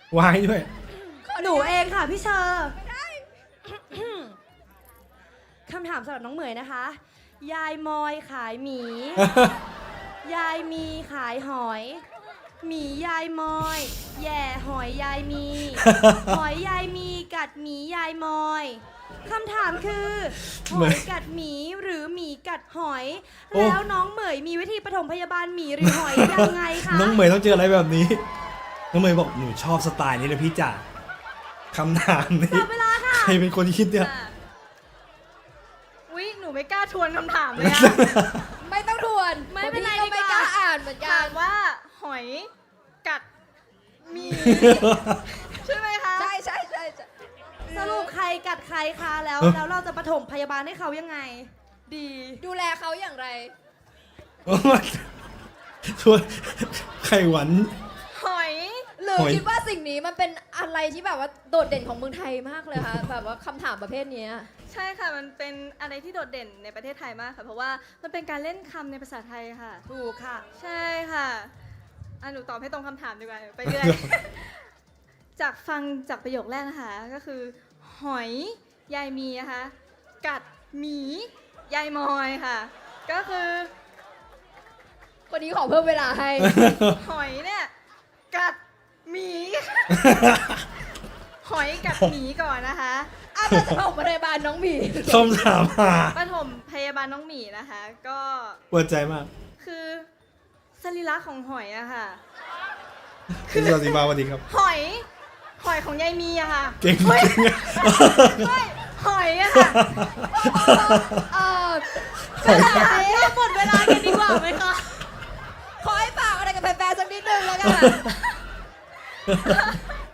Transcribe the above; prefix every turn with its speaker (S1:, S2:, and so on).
S1: วายด้วย
S2: หนูเองค่ะพี่เชอร์คำถามสำหรับน้องเหมยนะคะ ยายมอยขายหมี ยายมีขายหอย หมียายมอย แย่หอยยายมี หอยยายมีกัดหมียายมอยคำถามคือหอยกัดหมีหรือหมีกัดหอย แล้วน้องเหมยมีวิธีปฐมพยาบาลหมีหรือหอยยังไงคะ
S1: น้องเหมยต้องเจออะไรแบบนี้น้องเหมยบอกหนูชอบสไตล์นี้เลยพี่จ๋าคำถามนี้
S2: จับเวลาค่ะ
S1: ใครเป็นคนคิดเนี่ย
S3: อุ๊ยหนูไม่กล้าทวนคำถามเลยอะ
S4: ไม่ต้องทวน
S2: ไม่เป็นไร
S4: ก็ไม่กล้าอ่านเหมือนกั
S3: ถาน มว่าหอยกัดหมี ใช่ไหมคะ
S4: ใช่ใช่ใช่ใช่
S2: สรุปใครกัดใครคะแล้วเราจะปฐมพยาบาลให้เขายังไง ดี
S4: ดูแลเขาอย่างไร
S1: ชวนไข่หวาน
S3: หอย
S4: หรือ
S1: หอย
S4: คิดว่าสิ่งนี้มันเป็นอะไรที่แบบว่าโดดเด่นของเมืองไทยมากเลยค่ะ แบบว่าคำถามประเภทเนี้ย
S3: ใช่ค่ะมันเป็นอะไรที่โดดเด่นในประเทศไทยมากค่ะเพราะว่ามันเป็นการเล่นคำในภาษาไทยค่ะ
S2: ถูกค่ะ
S3: ใช่ค่ะหนูตอบให้ตรงคำถามดีกว่าไปเรื่อย จากฟังจากประโยคแรกนะคะก็คือ หอยยายมีนะคะกัดหมียายมอยค่ะ ก็คือ
S4: คนนี้ขอเพิ่มเวลาให้
S3: หอยเนี่ยกัดหมี หอยกัดหมีก่อนนะคะ
S4: อ้าวเราจะบอกพยาบาลน้องหมี
S1: คำถามหา
S3: ปฐมพยาบาลน้องหมีนะคะ ก็
S1: ปวดใจมาก
S3: คือสรีระของหอยอะค่ะ
S1: คุณสวัสดีมาสวัสดีครับ
S3: หอยของยายมีอะค่ะ
S1: เก่ง
S3: ฮ้ย
S1: จริงอะ
S3: ไม่หอยอะค่ะ
S4: เออ
S2: เราหมดเวลากันดีกว่าไหมคะ
S4: ขอให้ฝากอะไรกับแฟนๆสักนิดนึงแล้วกัน